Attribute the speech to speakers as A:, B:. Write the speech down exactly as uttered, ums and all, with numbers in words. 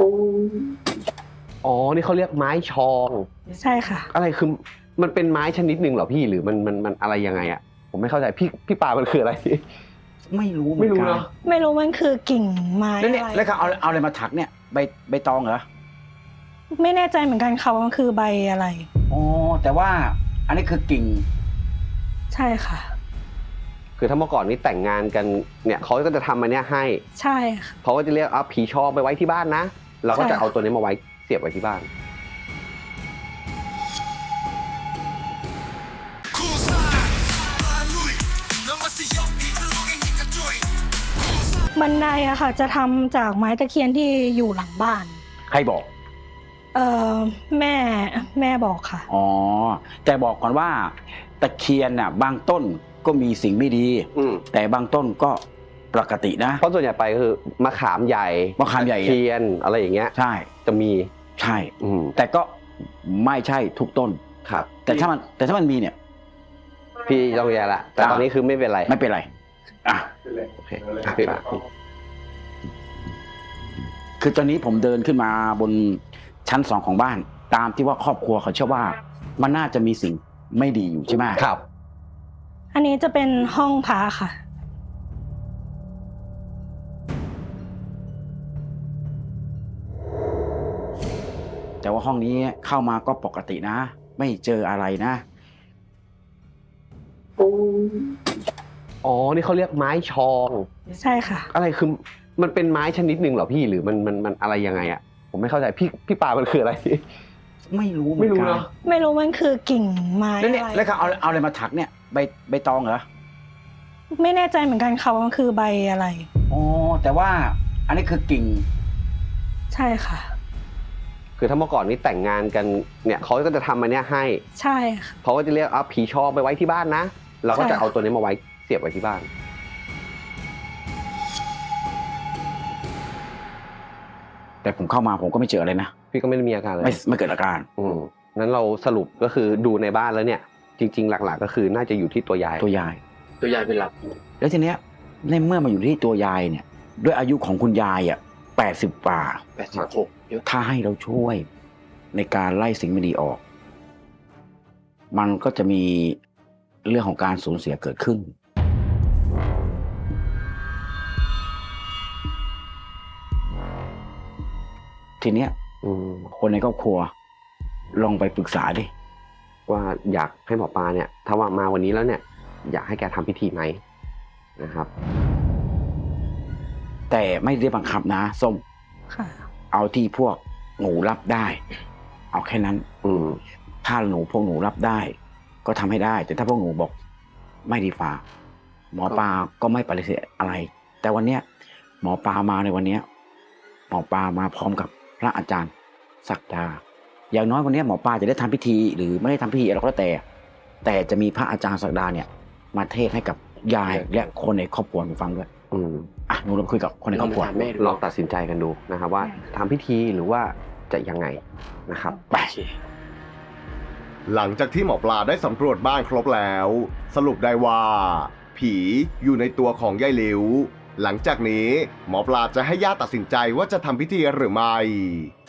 A: อ๋อนี่เขาเรียกไม้ชอง
B: ใช่ค่ะ
A: อะไรคือมันเป็นไม้ชนิดหนึ่งเหรอพี่หรือมันมันมันอะไรยังไงอ่ะผมไม่เข้าใจพี่พี่ปามันคืออะไร
C: ไม่รู้เหมื
A: ไม่
C: อน
A: รู้
C: กัน
A: เนาะ
B: ไม่รู้มันคือกิ่งไม้
C: แล้ว
B: อะ
C: เนี่ย
B: ไร
C: แล้วเขาเอาเอาอะไรมาถักเนี่ยใบใบตองเหรอ
B: ไม่แน่ใจเหมือนกันค่ะว่ามันคือใบอะไร
C: อ๋อแต่ว่าอันนี้คือกิ่ง
B: ใช่ค่ะ
A: คือถ้าเมื่อก่อนนี้แต่งงานกันเนี่ยเขาก็จะทำอันเนี้ยให้
B: ใช่ค่ะ
A: เขาก็จะเรียกเอาผีชองไปไว้ที่บ้านนะเราก็
B: ใช่
A: จะเอาตัวนี้มาไว้เสียบไว้ที่บ้าน
B: บันไดอะค่ะ จะทำจากไม้ตะเคียนที่อยู่หลังบ้าน
C: ใครบอก
B: เออแม่แม่บอกค่ะ
C: อ๋อแต่บอกก่อนว่าตะเคียนน่ะบางต้นก็มีสิ่งไม่ดี
A: อืม
C: แต่บางต้นก็ปกตินะ
A: เพราะส่วนใหญ่ไปคือมะขามใหญ่
C: มะขามใหญ่
A: เทียนอะไรอย่างเงี้ย
C: ใช่
A: จะมี
C: ใช่
A: อืม
C: แต่ก็ไม่ใช่ทุกต้น
A: ครับ
C: แต่ถ้ามันแต่ถ้ามันมีเนี่ย
A: พี่ต้องแย่ละแต่ตอนนี้คือไม่เป็นไร
C: ไม่เป็นไรอ่ะ
A: โอเคอ่ะพี่ปา
C: คือตอนนี้ผมเดินขึ้นมาบนชั้นสองของบ้าน ตามที่ว่าครอบครัวเขาเชื่อว่ามันน่าจะมีสิ่งไม่ดีอยู่ใช่ไหม
A: ครับ
B: อันนี้จะเป็นห้องพระค่ะ
C: แต่ว่าห้องนี้เข้ามาก็ปกตินะ ไม่เจออะไรนะ
A: อ๋อนี่เขาเรียกไม้ชอง
B: ใช่ค่ะ
A: อะไรคือมันเป็นไม้ชนิดหนึ่งเหรอพี่หรือมันมันมันอะไรยังไงอ่ะผมไม่เข้าใจพี่พี่ปามันคืออะไร
C: ไม่รู้เหมื
A: ไม่
C: อน
A: รู้
C: กัน
A: เนาะ
B: ไม่รู้มันคือกิ่งไม้
C: แล้ว
B: อะ
C: เนี่ย
B: ไร
C: แล้วเขาเอาเอาอะไรมาถักเนี่ยใบใบตองเหรอ
B: ไม่แน่ใจเหมือนกันค่ะว่ามันคือใบอะไร
C: อ๋อแต่ว่าอันนี้คือกิ่ง
B: ใช่ค่ะ
A: คือถ้าเมื่อก่อนนี้แต่งงานกันเนี่ยเขาก็จะทำอันเนี้ยให้
B: ใช่ค่ะ
A: เขาก็จะเรียกเอาผีชองไปไว้ที่บ้านนะเราก็
B: ใช่
A: จะเอาตัวนี้มาไว้เสียบไว้ที่บ้าน
C: แต่ผมเข้ามาผมก็ไม่เจออะไรนะ
A: พี่ก็ไม่ได้มีอาการอะไร
C: ไม่ไม่เกิดอาการ
A: อืมนั้นเราสรุปก็คือดูในบ้านแล้วเนี่ย จริง ๆ หลัก ๆ ก็คือน่าจะอยู่ที่ตัวยาย
C: ตัวยาย
D: ตัวยายเป็นหลัก
C: แล้วทีเนี้ยในเมื่อมาอยู่ที่ตัวยายเนี่ย ด้วยอายุของคุณยายอ่ะแปดสิบกว่า
D: แปดสิบหกเยอะ
C: ถ้าให้เราช่วยในการไล่สิ่งไม่ดีออก มันก็จะมีเรื่องของการสูญเสียเกิดขึ้น ทีเนี้ย
A: อืม
C: คนในครอบครัว ลองไปปรึกษาดิ
A: ว่าอยากให้หมอปลาเนี่ย ถ้าว่ามาวันนี้แล้วเนี่ย อยากให้แกทำพิธีไหมนะครับ
C: แต่ไม่ได้บังคับนะส้ม
B: ค่ะ
C: เอาที่พวกหนูรับได้ เอาแค่นั้น
A: อืม
C: ถ้าหนูพวกหนูรับได้ ก็ทำให้ได้ แต่ถ้าพวกหนูบอกไม่ดีฟ้าหมอปลาก็ไม่ปฏิเสธอะไร แต่วันเนี้ยหมอปลามาในวันเนี้ยหมอปลามาพร้อมกับพระอาจารย์ศักดา อย่างน้อยวันเนี้ยหมอปลาจะได้ทำพิธี หรือไม่ได้ทำพิธีอะไรก็แล้วแต่ แต่จะมีพระอาจารย์ศักดาเนี่ย มาเทศน์ให้กับยายและคนในครอบครัวหนูฟังด้วย
A: อืม
C: อ่ะหนูลองคุยกับคนในครอบครัว
D: แม่ดู
A: ลองตัดสินใจกันดูนะครับ ว่าทำพิธีหรือว่าจะยังไงนะครับ
C: ไป
D: โอเค
E: หลังจากที่หมอปลาได้สำรวจบ้านครบแล้ว สรุปได้ว่า ผีอยู่ในตัวของยายหลิว หลังจากนี้หมอปลาจะให้ญาติตัดสินใจว่าจะทำพิธีหรือไม่